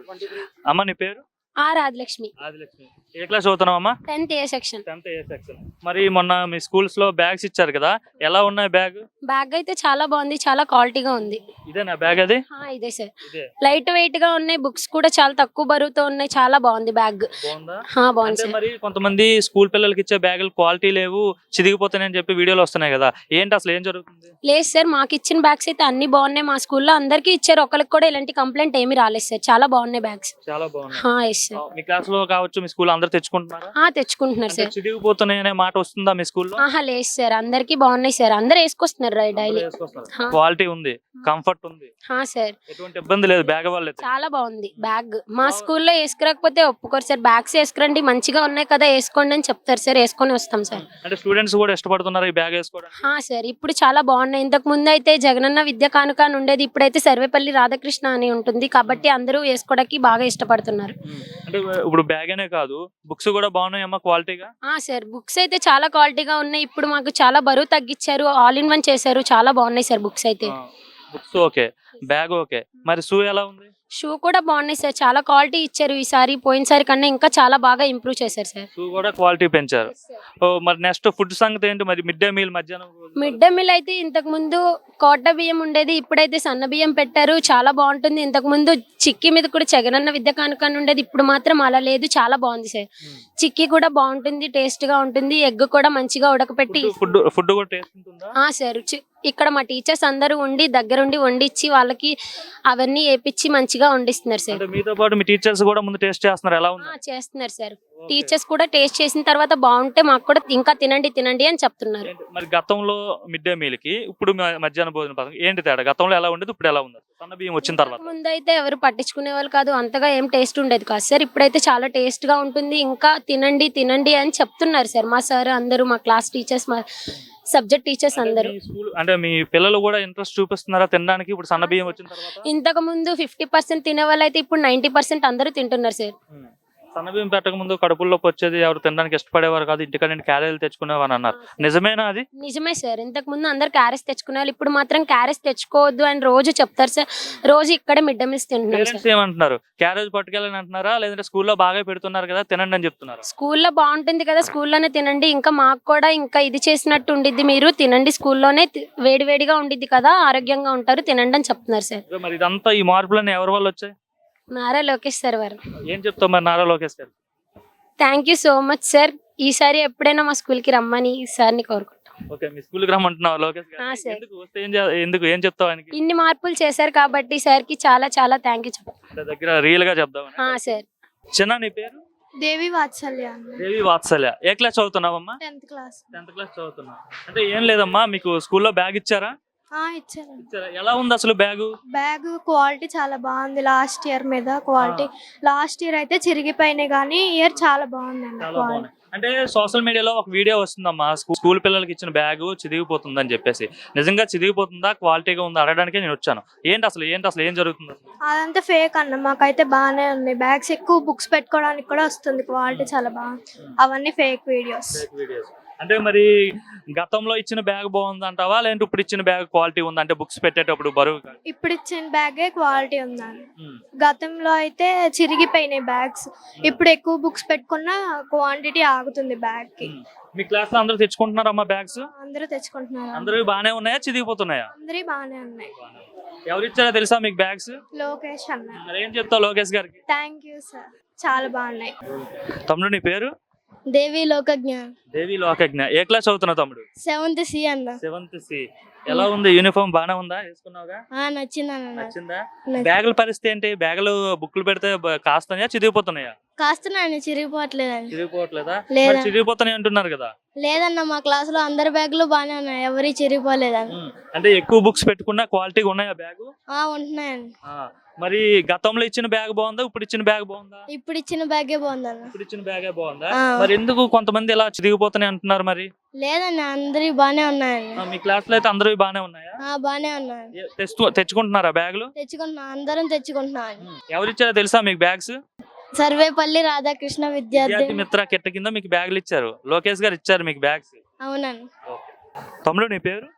అమ్మ నీ పేరు? రాజలక్ష్మి. ఆదిలక్ష్మి. ఏ క్లాస్ చదువుతున్నావమ్మా? 10th A section. 10th A section. మరి మొన్న మీ స్కూల్స్ లో బ్యాగ్స్ ఇచ్చారు కదా, ఎలా ఉన్నాయి బ్యాగ్? బ్యాగ్ అయితే చాలా బాగుంది, చాలా క్వాలిటీగా ఉంది. ఇదేనా బ్యాగ్? అది ఇదే సార్. ఇదే. లైట్ వెయిట్ గా ఉన్నాయి, బుక్స్ కూడా చాలా తక్కువ బరువుతో ఉన్నాయి, చాలా బాగుంది బ్యాగ్. బాగుందా? బాగుంది అంటే సార్. మరి కొంతమంది స్కూల్ పిల్లలకి ఇచ్చే బ్యాగులు క్వాలిటీ లేవు, చిదిగిపోతాయని చెప్పి వీడియోలు వస్తున్నాయి కదా, ఏంటి అసలు ఏం జరుగుతుంది? లేదు సార్, మాకు ఇచ్చిన బ్యాగ్స్ అయితే అన్ని బాగున్నాయి. మా స్కూల్లో అందరికీ ఇచ్చారు, ఒకరికి కూడా ఇలాంటి కంప్లైంట్ ఏమీ రాలేదు సార్. చాలా బాగున్నాయి బ్యాగ్స్. చాలా బాగున్నాయి. Yes sir. మీ క్లాస్ లో కావచ్చు, మీ స్కూల్ అందరూ తెచ్చుకుంటున్నారా? తెచ్చుకుంటున్నారు సార్. చిదిగిపోతున్నాయి అనే మాట వస్తుందా మీ స్కూల్లో? లేదు సార్, అందరికి బాగున్నాయి సార్, అందరు వేసుకొస్తున్నారు డైలీ. క్వాలిటీ ఉంది, కంఫర్ట్ ఉంది సార్. ఎటువంటి ఇబ్బంది లేదు బ్యాగ్ వల్ల. చాలా బాగుంది బ్యాగ్. మా స్కూల్లో వేసుకురాకపోతే ఒప్పుకోరు సార్. బ్యాగ్స్ వేసుకురండి, మంచిగా ఉన్నాయి కదా వేసుకోండి అని చెప్తారు సార్, వేసుకొని వస్తాం సార్. అంటే స్టూడెంట్స్ కూడా ఇష్టపడుతున్నారు ఈ బ్యాగ్ వేసుకోవడానికి? సార్, ఇప్పుడు చాలా బాగున్నాయి. ఇంతకు ముందు అయితే జగనన్న విద్యా కానుక అని ఉండేది, ఇప్పుడైతే సర్వేపల్లి రాధాకృష్ణ అని ఉంటుంది కాబట్టి అందరూ వేసుకోవడానికి బాగా ఇష్టపడుతున్నారు. అంటే ఇప్పుడు బ్యాగ్ అనే కాదు, బుక్స్ కూడా బాగున్నాయమ్మా క్వాలిటీగా? సార్, బుక్స్ అయితే చాలా క్వాలిటీగా ఉన్నాయి. ఇప్పుడు మాకు చాలా బరువు తగ్గించారు, ఆల్ ఇన్ వన్ చేశారు, చాలా బాగున్నాయి సార్ బుక్స్ అయితే. బుక్స్ ఓకే, బ్యాగ్ ఓకే, మరి షూ ఎలా ఉంది? షూ కూడా బాగున్నాయి సార్, చాలా క్వాలిటీ ఇచ్చారు ఈసారి. పోయినసారి కన్నా ఇంకా చాలా బాగా ఇంప్రూవ్ చేశారు సార్. షూ కూడా క్వాలిటీ పెంచారు. మరి నెక్స్ట్ ఫుడ్ సంగతి ఏంటి మరి? మిడ్ డే మీల్ మధ్యాహ్నం? మిడ్ డే మీల్ అయితే ఇంతకు ముందు కోట బియ్యం ఉండేది, ఇప్పుడైతే సన్న బియ్యం పెట్టారు, చాలా బాగుంటుంది. ఇంతకు ముందు చిక్కీ మీద కూడా జగనన్న విద్యా కానుక ఉండేది, ఇప్పుడు మాత్రం అలా లేదు, చాలా బాగుంది సార్. చిక్కీ కూడా బాగుంటుంది, టేస్ట్ గా ఉంటుంది. ఎగ్ కూడా మంచిగా ఉడకపెట్టి ఫుడ్ కూడా టేస్ట్ ఉంటుందా? సార్, ఇక్కడ మా టీచర్స్ అందరూ ఉండి దగ్గరుండి వండిచ్చి వాళ్ళకి అవన్నీ వేపించి మంచిగా వండిస్తున్నారు సార్. మీతో పాటు మీ టీచర్స్ కూడా ముందు టేస్ట్ చేస్తున్నారు, ఎలా ఉంది? చేస్తున్నారు సార్. టీచర్స్ కూడా టేస్ట్ చేసిన తర్వాత బాగుంటే మాకు కూడా ఇంకా తినండి తినండి అని చెప్తున్నారు. మరి గతంలో మిడ్ డే మీల్ కి ఇప్పుడు మధ్యాహ్న భోజన పథకం ఏంటి తేడా? గతంలో ఎలా ఉండేది, ఇప్పుడు ఎలా ఉంది? సన్న బియ్యం వచ్చిన తర్వాత ముందు అయితే ఎవరు పట్టించుకునే వాళ్ళు కాదు, అంతగా ఏం టేస్ట్ ఉండేది కాదు సార్. ఇప్పుడైతే చాలా టేస్ట్ గా ఉంటుంది, ఇంకా తినండి తినండి అని చెప్తున్నారు సార్ మా సార్ అందరూ, మా క్లాస్ టీచర్స్, మా సబ్జెక్ట్ టీచర్స్ అందరూ. అంటే మీ పిల్లలు కూడా ఇంట్రెస్ట్ చూపిస్తున్నారా తినడానికి ఇప్పుడు సన్న బియ్యం వచ్చిన తర్వాత? ఇంతకు ముందు 50% తినే వాళ్ళు అయితే ఇప్పుడు 90% అందరూ తింటున్నారు సార్. సన్న బియ్యం పెట్టక ముందు కడుపుల్లోకి వచ్చేది, ఎవరు తినడానికి ఇష్టపడేవారు కాదు, ఇంటికాడ క్యారెలు తెచ్చుకునేవారు అన్నారు, నిజమేనా అది? నిజమే సార్. ఇంతకు ముందు అందరు క్యారెస్ తెచ్చుకునేవాళ్ళు, ఇప్పుడు మాత్రం క్యారెస్ తెచ్చుకోవద్దు అని రోజు చెప్తారు సార్. రోజు ఇక్కడే మిడ్ డే మీల్స్ తింటున్నారు. ఏమంటున్నారు? క్యారేజ్ పట్టుకెళ్ళని అంటున్నారా, లేదంటే స్కూల్లో బాగా పెడుతున్నారు కదా తినండి అని చెప్తున్నారు? స్కూల్లో బాగుంటుంది కదా, స్కూల్లోనే తినండి, ఇంకా మాకు కూడా ఇంకా ఇది చేసినట్టు ఉండిద్ది, మీరు తినండి, స్కూల్లోనే వేడి వేడిగా ఉండిద్ది కదా, ఆరోగ్యంగా ఉంటారు, తినండి అని చెప్తున్నారు సార్. మరి ఇదంతా ఈ మార్పులన్నీ ఎవరి వల్ల వచ్చాయి? నారా లోకేష్ సార్ వారు. ఏం చెప్తావు మరి నారా లోకేష్ గారు? Thank you so much sir. ఈసారి ఎప్పుడైనా మా స్కూల్ కి రమ్మని సార్ని కోరుకుంటాం. ఓకే, మీ స్కూల్ కి రమ్మంటున్నావు లోకేష్ గారు? ఎందుకు వస్తే ఏం చెప్తావు ఆయనకి? ఇన్ని మార్పులు చేశారు కాబట్టి సార్ కి చాలా చాలా థ్యాంక్ యూ చెప్తాం. దగ్గర రియల్ గా చెప్దాం సార్. చిన్న నీ పేరు? దేవి వాత్సల్య. దేవి వాత్సల్య. ఏ క్లాస్ చదువుతున్నావమ్మా? 10th class. 10th క్లాస్ చదువుతున్నా. అంటే ఏం లేదమ్మా, మీకు స్కూల్లో బ్యాగ్ ఇచ్చారా? ఇచ్చారు. ఎలా ఉంది అసలు బ్యాగ్? బ్యాగ్ క్వాలిటీ చాలా బాగుంది. లాస్ట్ ఇయర్ మీద క్వాలిటీ, లాస్ట్ ఇయర్ అయితే చిరిగిపోయినాయి కానీ ఇయర్ చాలా బాగుంది. అంటే సోషల్ మీడియాలో ఒక వీడియో వస్తుందమ్మా, స్కూల్ పిల్లలకి ఇచ్చిన బ్యాగ్ చిదిగిపోతుంది అని చెప్పేసి, నిజంగా చిదిగిపోతుందా, క్వాలిటీగా ఉందా అడగడానికే నేను వచ్చాను. ఏంటి అసలు ఏం జరుగుతుంది? అదంతా ఫేక్ అన్న, మాకైతే బాగానే ఉంది. బ్యాగ్స్ ఎక్కువ బుక్స్ పెట్టుకోవడానికి కూడా వస్తుంది, క్వాలిటీ చాలా బాగుంది. అవన్నీ ఫేక్ వీడియోస్. అంటే మరి గతంలో ఇచ్చిన బ్యాగ్ బాగుంది అంటావా, లేదంటే ఇప్పుడు ఇచ్చిన బ్యాగ్ క్వాలిటీ ఉంది? అంటే బుక్స్ పెట్టేటప్పుడు బరువు ఇప్పుడు ఇచ్చిన బ్యాగే క్వాలిటీ ఉందని. గతంలో అయితే చిరిగిపోయినాయి బ్యాగ్స్, ఇప్పుడు ఎక్కువ బుక్స్ పెట్టుకున్న క్వాంటిటీ ఆగుతుంది బ్యాగ్ కి. మీ క్లాస్ లో అందరూ తెచ్చుకుంటున్నారమ్మా బ్యాగ్స్? అందరూ తెచ్చుకుంటున్నారు. అందరూ బాగానే ఉన్నాయా, చిదిగిపోతున్నాయా? అందరూ బాగానే ఉన్నాయి. ఎవరు ఇచ్చారో తెలుసా మీకు బ్యాగ్స్? లోకేష్ అన్న. ఏం చెప్తావు లోకేష్ గారికి? థ్యాంక్ యూ సార్, చాలా బాగున్నాయి. తమ్ముడు నీ పేరు? దేవి లోకజ్ఞ. దేవి లోకజ్ఞ. ఏ క్లాస్ చదువుతున్నావు తమ్ముడు? 7th C అన్న. 7th C. ఎలా ఉంది యూనిఫామ్? బానే ఉందా? వేసుకున్నావుగా? నచ్చిందా? బ్యాగుల పరిస్థితి ఏంటి? బ్యాగులు బుక్లు పెడితే కాస్తున్నాయా, చిరిగిపోతున్నాయా? కాస్తున్నాయని, చిరిగిపోవట్లేదా? చిరిగిపోతున్నాయి అంటున్నారు కదా. లేదన్న, మా క్లాస్ లో అందరి బ్యాగులు బానే ఉన్నాయి, ఎవరి చిరిగిపోలేదని. అంటే ఎక్కువ బుక్స్ పెట్టుకున్నా క్వాలిటీగా ఉన్నాయా బ్యాగు? ఉంటున్నాయండి. మరి గతంలో ఇచ్చిన బ్యాగ్ బాగుందా, ఇప్పుడు ఇచ్చిన బ్యాగ్ బాగుందా? ఇప్పుడు ఇచ్చిన బ్యాగే బాగుందన్న. ఇప్పుడు ఇచ్చిన బ్యాగే బాగుందా? మరి ఎందుకు కొంతమంది ఇలా చిరిగిపోతున్నాయి అంటున్నారు మరి? లేదన్న, అందరి బానే ఉన్నాయండి. మీ క్లాస్ లో అయితే అందరూ బానే ఉన్నాయా? బానే ఉన్నాయి. తెచ్చుకుంటున్నారా బ్యాగులు? తెచ్చుకుంటున్నా, అందరం తెచ్చుకుంటున్నాం. ఎవరిచ్చారో తెలుసా మీకు బ్యాగ్స్? సర్వేపల్లి రాధాకృష్ణ విద్యార్థి మిత్ర కిట్ట కింద మీకు బ్యాగులు ఇచ్చారు, లోకేష్ గారు ఇచ్చారు మీకు బ్యాగ్స్. అవునండి. తమ్ముడు నీ పేరు?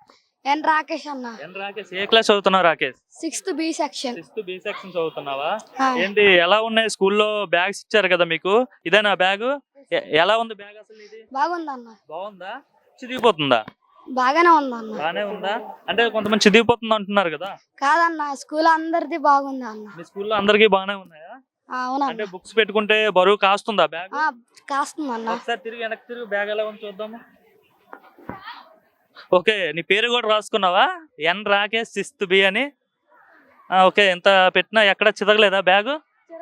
ఎన్ రాకేష్ అన్న ఎన్ రాకేష్ ఏ క్లాస్ చదువుతున్నావు Rakesh? 6th B section. 6th B section చదువుతున్నావా? ఆ. ఏంటి ఎలా ఉన్నాయి స్కూల్లో బ్యాగ్స్ ఇచ్చారు కదా మీకు, ఇదేనా బ్యాగ్? ఎలా ఉంది బ్యాగ్ అసలు ఇది? బాగుందన్న. బాగుందా? చిదిగిపోతుందా? బాగానే ఉందన్న. బానే ఉందా? అంటే కొంతమంది చిదిగిపోతుంది అంటున్నారు కదా. కాదన్న స్కూల్ అందరిది బాగుంది అన్న. మీ స్కూల్లో అందరికీ బానే ఉన్నాయా? అంటే అవునన్న. బుక్స్ పెట్టుకుంటే బరువు కాస్తుందా బ్యాగ్? కాస్తుందన్న. ఒకసారి తిరిగి వెనక్కి తిరిగి బ్యాగ్ ఎలా ఉంది చూద్దాము. ఓకే, నీ పేరు కూడా రాసుకున్నావా? ఎన్ రాకేష్ 6th B అని. ఓకే, ఎంత పెట్టినా ఎక్కడ చితకలేదా బ్యాగ్?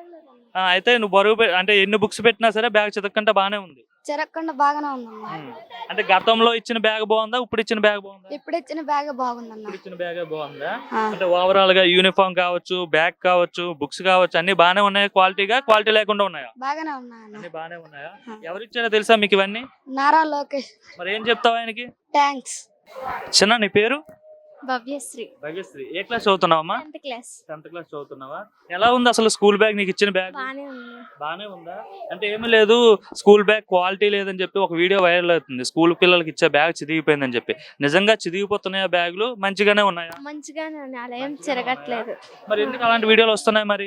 అయితే నువ్వు బరువు అంటే ఎన్ని బుక్స్ పెట్టినా సరే బ్యాగ్ చితకంటే బానే ఉంది. చెరగకుండా బాగానే ఉందన్న. అంటే గతంలో ఇచ్చిన బ్యాగ్ బాగుందా, ఇప్పుడు ఇచ్చిన బ్యాగ్ బాగుందా? ఇప్పుడు ఇచ్చిన బ్యాగ్ బాగుందన్న. ఇప్పుడు ఇచ్చిన బ్యాగ్ బాగుందా? ఆ. అంటే ఓవరాల్ గా యూనిఫామ్ కావచ్చు, బ్యాగ్ కావచ్చు, బుక్స్ కావచ్చు, అన్ని బానే ఉన్నాయి. క్వాలిటీ లేకుండా ఉన్నాయా? బాగానే ఉన్నాయన్న. అన్ని బానే ఉన్నాయా? ఆ. ఎవరిచ్చారో తెలుసా మీకు ఇవన్నీ? నారా లోకేష్. మరి ఏం చెప్తావు ఆయనకి? థ్యాంక్స్. చిన్న నీ పేరు? భవ్యశ్రీ. భగశ్రీ. ఏ క్లాస్ చదువుతున్నావమ్మా? 10th class. 10th క్లాస్ చదువుతున్నావా? ఎలా ఉంది అసలు స్కూల్ బ్యాగ్, నీకు ఇచ్చిన బ్యాగ్? బానే ఉంది. బానే ఉందా? అంటే ఏమీ లేదు, స్కూల్ బ్యాగ్ క్వాలిటీ లేదని చెప్పి ఒక వీడియో వైరల్ అవుతుంది. స్కూల్ పిల్లలకి ఇచ్చే బ్యాగ్ చిదిగిపోయిందని చెప్పి. నిజంగా చిదిగిపోతున్నాయా బ్యాగులు? మంచిగానే ఉన్నాయా? మంచిగానే ఉంది, అలా ఏం చెరగట్లేదు. మరి ఎందుకు అలాంటి వీడియోలు వస్తున్నాయి మరి?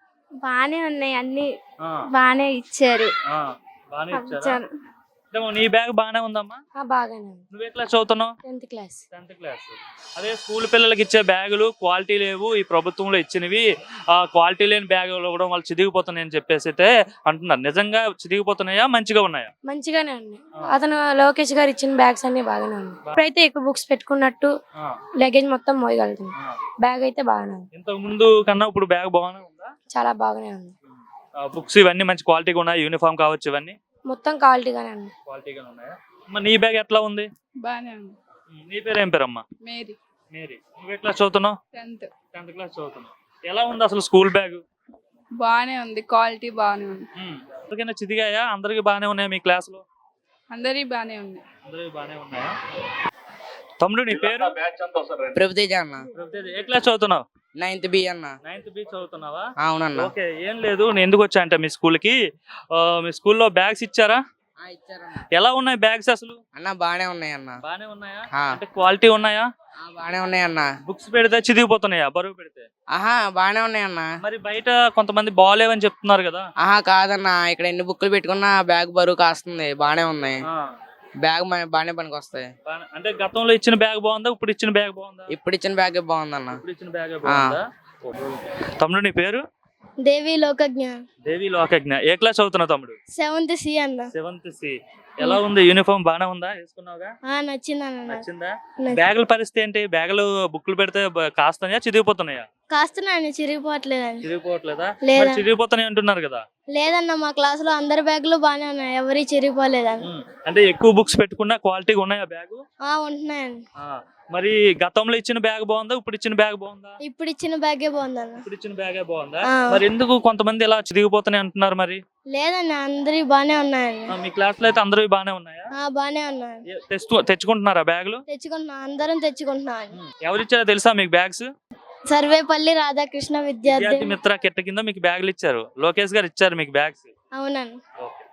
బానే ఉన్నాయి, అన్ని ఆ, బానే ఇచ్చారు. ఆ, బానే ఇచ్చారా? అంటే నీ బ్యాగ్ బానే ఉందమ్మా? బాగానే ఉంది. నువ్వే క్లాస్ చదువుతున్నావు? 10th class. 10th class. అదే స్కూల్ పిల్లలకి ఇచ్చే బ్యాగులు క్వాలిటీ లేవు, ఈ ప్రభుత్వంలో ఇచ్చినవి క్వాలిటీ లేని బ్యాగులు కూడా వాళ్ళు చిదిగిపోతున్నాయని చెప్పేసి అయితే అంటున్నారు. నిజంగా చిదిగిపోతున్నాయా, మంచిగా ఉన్నాయా? మంచిగానే ఉన్నాయి. ఆ. అతను లోకేష్ గారు ఇచ్చిన బ్యాగ్స్ అన్ని బాగానే ఉన్నాయి. ఇప్పుడైతే ఎక్కువ బుక్స్ పెట్టుకున్నట్టు ఆ, లగేజ్ మొత్తం మోయగలుగుతుంది. ఆ. బ్యాగ్ అయితే బాగానే ఉంది, ఇంతకు ముందు కన్నా ఇప్పుడు బ్యాగ్ బాగానే ఉందా? చాలా బాగానే ఉంది. బుక్స్ ఇవన్నీ మంచి క్వాలిటీగా ఉన్నాయి, యూనిఫామ్ కావచ్చు, ఇవన్నీ మొత్తం క్వాలిటీగానే ఉంది. క్వాలిటీగా ఉన్నాయా? అమ్మ నీ బ్యాగ్ ఎట్లా ఉంది? బాగానే ఉంది. నీ పేరు ఏం పేరమ్మా? మేరీ. మేరీ. నువ్వే క్లాస్ చదువుతున్నావు? 10th. 10th క్లాస్ చదువుతున్నావు. ఎలా ఉంది అసలు స్కూల్ బ్యాగ్? బాగానే ఉంది, క్వాలిటీ బాగానే ఉంది. అందరికైనా చిదిగాయా? అందరికి బాగానే ఉన్నాయా మీ క్లాస్ లో? అందరి బాగానే ఉంది. అందరికి బాగానే ఉన్నాయా? తమ్ముడు నీ పేరు? ప్రభుతేజ అన్న. ప్రభుతేజ్. ఏ క్లాస్ చదువుతున్నావు? 9th B అన్న. 9th B చదువుతున్నావా? అవునన్న. ఓకే, ఏం లేదు, నేను ఎందుకు వచ్చా అంటే మీ స్కూల్ కి మీ స్కూల్లో బ్యాగ్స్ ఇచ్చారా? ఇచ్చారన్న. ఎలా ఉన్నాయి బ్యాగ్స్ అసలు? అన్న బాగానే ఉన్నాయి అన్న. బాగానే ఉన్నాయా? ఆ. అంటే క్వాలిటీ ఉన్నాయా? బాగానే ఉన్నాయి అన్న. బుక్స్ పెడితే చిదిగిపోతున్నాయా బరువు పెడితే? ఆహా బాగానే ఉన్నాయి అన్న. మరి బయట కొంతమంది బాగాలేవని చెప్తున్నారు కదా. ఆహా కాదన్న, ఇక్కడ ఎన్ని బుక్కులు పెట్టుకున్నా బ్యాగ్ బరువు కాస్తుంది. బాగానే ఉన్నాయి. ఆ, బ్యాగ్ బాగానే పనికి వస్తాయి. అంటే గతంలో ఇచ్చిన బ్యాగ్ బాగుందా, ఇప్పుడు ఇచ్చిన బ్యాగ్ బాగుందా? ఇప్పుడు ఇచ్చిన బ్యాగ్ బాగుందన్న. ఇప్పుడు ఇచ్చిన బ్యాగ్ బాగుందా? తమ్ముడు నీ పేరు? దేవి లోకజ్ఞ. దేవి లోకజ్ఞ. ఏ క్లాస్ చదువుతున్నావు తమ్ముడు? 7th C అన్న. 7th C. ఎలా ఉంది యూనిఫామ్? బానే ఉందా? వేసుకున్నావుగా? నచ్చిందన్న. నచ్చిందా? నచ్చింది. బ్యాగుల పరిస్థితి ఏంటి? బ్యాగులు బుక్లు పెడితే కాస్తున్నాయా, చిదిగిపోతున్నాయా? కాస్తున్నాయని చిరిగిపోవట్లేదని. చిరిగిపోవట్లేదా? లేదా. మరి చిరిగిపోతున్నాయి అంటున్నారు కదా. లేదన్న, మా క్లాస్ లో అందరి బ్యాగులు బాగానే ఉన్నాయి, ఎవరి చిరిగిపోలేదని. అంటే ఎక్కువ బుక్స్ పెట్టుకున్నా క్వాలిటీగా ఉన్నాయా బ్యాగు? ఉంటున్నాయండి. మరి గతంలో ఇచ్చిన బ్యాగ్ బాగుందా, ఇప్పుడు ఇచ్చిన బ్యాగ్ బాగుందా? ఇప్పుడు ఇచ్చిన బ్యాగే బాగుందన్న. ఇప్పుడు ఇచ్చిన బ్యాగే బాగుందా? ఆ. మరి ఎందుకు కొంతమంది ఇలా చిరిగిపోతున్నాయి అంటున్నారు మరి? లేదన్న, అందరి బాగానే ఉన్నాయండి. మీ క్లాస్ లో అయితే అందరూ బానే ఉన్నాయా? బాగానే ఉన్నాయి. తెచ్చుకుంటున్నారా బ్యాగులు? తెచ్చుకుంటున్నాం, అందరం తెచ్చుకుంటున్నాం. ఎవరిచ్చారో తెలుసా మీకు బ్యాగ్స్? సర్వేపల్లి రాధాకృష్ణ విద్యార్థి విద్యార్థి మిత్ర కిట్ట కింద మీకు బ్యాగులు ఇచ్చారు. లోకేష్ గారు ఇచ్చారు మీకు బ్యాగ్స్. అవునండి. ఓకే.